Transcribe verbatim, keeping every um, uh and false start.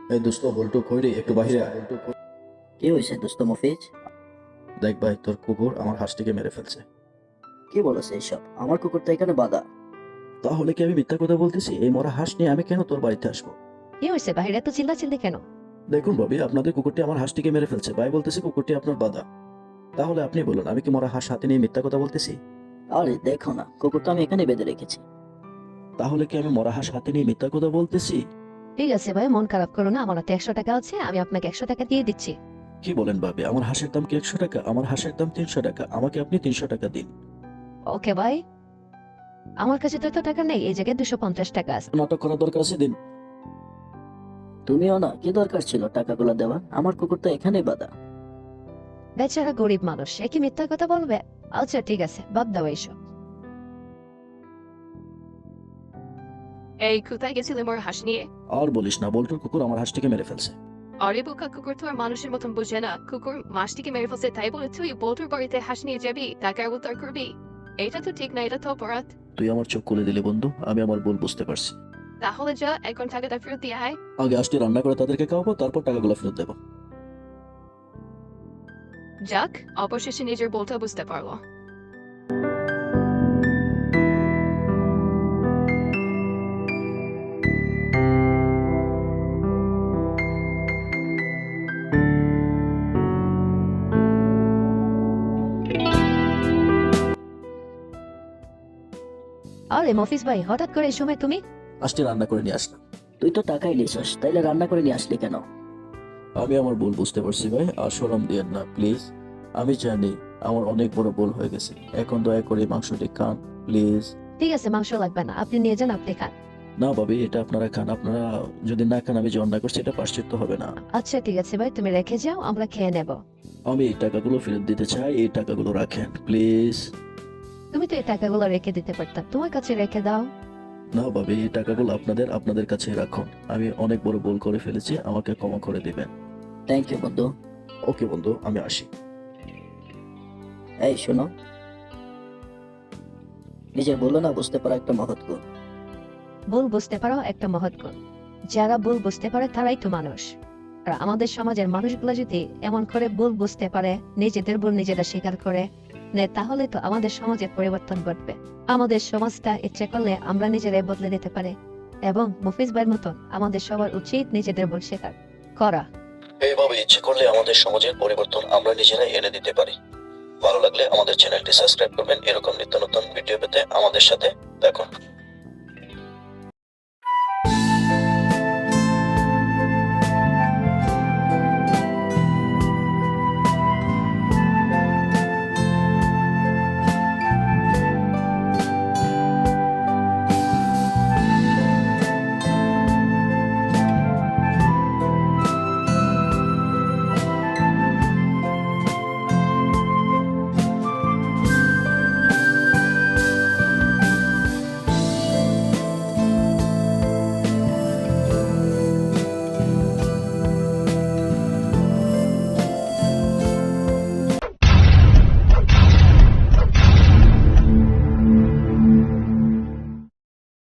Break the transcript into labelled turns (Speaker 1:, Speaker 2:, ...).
Speaker 1: এই দোস্ত বল্টু কই রে, একটু বাহিরে আয়। বল্টু কই?
Speaker 2: কি হয়েছে দোস্ত মফিজ?
Speaker 1: দেখ ভাই, তোর কুকুর আমার হাঁসটিকে মেরে ফেলছে।
Speaker 2: কি বলেছে এইসব? আমার কুকুর তো এখানে বাধা।
Speaker 1: তাহলে কি আমি মিথ্যা কথা বলতেছি? এই মরা হাঁস নিয়ে আমি কেন তোর বাড়িতে আসবো?
Speaker 3: কি হয়েছে বাহিরে এত চিল্লাচিল্লি কেন?
Speaker 1: দেখুন ভাবি, আপনাদের কুকুরটি আমার হাঁসটিকে মেরে ফেলছে, ভাই বলতেছে কুকুরটি আপনার বাধা। তাহলে আপনি বলুন, আমি কি মরা হাঁস হাতে নিয়ে মিথ্যা কথা বলতেছি?
Speaker 2: আরে দেখো না, কুকুর তো আমি এখানে বেঁধে রেখেছি।
Speaker 1: তাহলে কি আমি মরা হাঁস হাতে নিয়ে মিথ্যা কথা বলতেছি?
Speaker 3: ঠিক আছে ভাই, মন খারাপ করো না, আমার হাতে একশো টাকা আছে, আমি আপনাকে একশো টাকা দিয়ে দিচ্ছি।
Speaker 1: কি বলেন ভাবি, আমার হাঁসের দাম কি একশো টাকা? আমার হাঁসের দাম তিনশো টাকা, আমাকে আপনি তিনশো টাকা দিন।
Speaker 3: ওকে ভাই, আমার কাছে তো এত টাকা নেই, এই জায়গায় দুশো পঞ্চাশ টাকা আছে।
Speaker 1: নাটক করার দরকার আছে, দিন।
Speaker 2: তুমিও না, কি দরকার ছিল টাকাগুলো দেওয়ার? আমার কুকুর তো এখানেই বাধা।
Speaker 3: বেচারা গরিব মানুষ, সে কি মিথ্যা কথা বলবে? আচ্ছা ঠিক আছে, বাদ দাও এইসব।
Speaker 4: এই কোথায় গেছিলে মোর হাঁস নিয়ে?
Speaker 1: আর বলিস না, বল্টুর কুকুর আমার হাঁসটিকে মেরে ফেলছে।
Speaker 4: আরে বোকা, কুকুর তো আর মানুষের মতন বোঝে না। কুকুর মাছটিকে মেরে ফেলছে তাই বলে তুই বল্টুর বাড়িতে হাঁস নিয়ে যাবি, টাকার উদ্ধার করবি? এটা তো ঠিক না, এটা তো অপরাধ।
Speaker 1: তুই আমার চোখ খুলে দিলি বন্ধু, আমি আমার ভুল বুঝতে পারছি।
Speaker 4: তাহলে যা, এখন টাকাটা ফেরত দিয়ে আয়।
Speaker 1: আগে হাঁসটি রান্না করে তাদেরকে খাওয়াবো, তারপর টাকাগুলো ফেরত দেবো।
Speaker 4: যাক, অবশেষে নিজের বলটা বুঝতে পারলো।
Speaker 3: আরে মফিজ ভাই, হঠাৎ করে এই সময় তুমি?
Speaker 1: হাঁসটি রান্না করে নিয়ে আসলাম।
Speaker 2: তুই তো টাকাই নিছিস, তাইলে রান্না করে নিয়ে আসলি কেন?
Speaker 1: আমি আমার ভুল বুঝতে পারছি ভাই, আর শরম দিয়েন না প্লিজ। আমি জানি আমার অনেক বড় ভুল হয়ে গেছে, এখন দয়া করে মাংসটি খান প্লিজ।
Speaker 3: ঠিক আছে, মাংস লাগবে না, আপনি নিয়ে যান, আপনি খান।
Speaker 1: না ভাবি, এটা আপনারা খান, আপনারা যদি না খান আমি যে অন্যায় করছি এটা প্রায়শ্চিত্ত হবে না।
Speaker 3: আচ্ছা ঠিক আছে ভাই, তুমি রেখে যাও, আমরা খেয়ে নেব।
Speaker 1: আমি এই টাকাগুলো ফেরত দিতে চাই, এই টাকাগুলো রাখেন প্লিজ।
Speaker 3: তুমি তো এই টাকাগুলো রেখে দিতে পারতাম, তোমার কাছে রেখে দাও।
Speaker 1: না ভাবি, এই টাকাগুলো আপনাদের আপনাদের কাছে রাখুন, আমি অনেক বড় ভুল করে ফেলেছি, আমাকে ক্ষমা করে দিবেন।
Speaker 2: থ্যাংক ইউ বন্ধু।
Speaker 1: ওকে বন্ধু, আমি আসি।
Speaker 2: এই শোনো, নিজের বললো না বুঝতে পারা একটা মহৎ গুণ।
Speaker 3: ভুল বুঝতে পারো একটা মহৎ গুণ। যারা ভুল বুঝতে পারে তারাই তো মানুষ। আর আমাদের সমাজের মানুষগুলো যদি এমন করে ভুল বুঝতে পারে, নিজেদের ভুল নিজেরা স্বীকার করে নেয়, তাহলে তো আমাদের সমাজের পরিবর্তন ঘটবে। আমাদের সমাজটা ইচ্ছে করলে আমরা নিজেরাই বদলে দিতে পারি। এবং মুফিজ ভাইয়ের মতন আমাদের সবার উচিত নিজেদের ভুল স্বীকার করা।
Speaker 1: এইভাবে ইচ্ছে করলে আমাদের সমাজের পরিবর্তন আমরা নিজেরাই এনে দিতে পারি। ভালো লাগলে আমাদের চ্যানেলটি সাবস্ক্রাইব করবেন, এরকম নিত্য নতুন ভিডিও পেতে আমাদের সাথে দেখুন।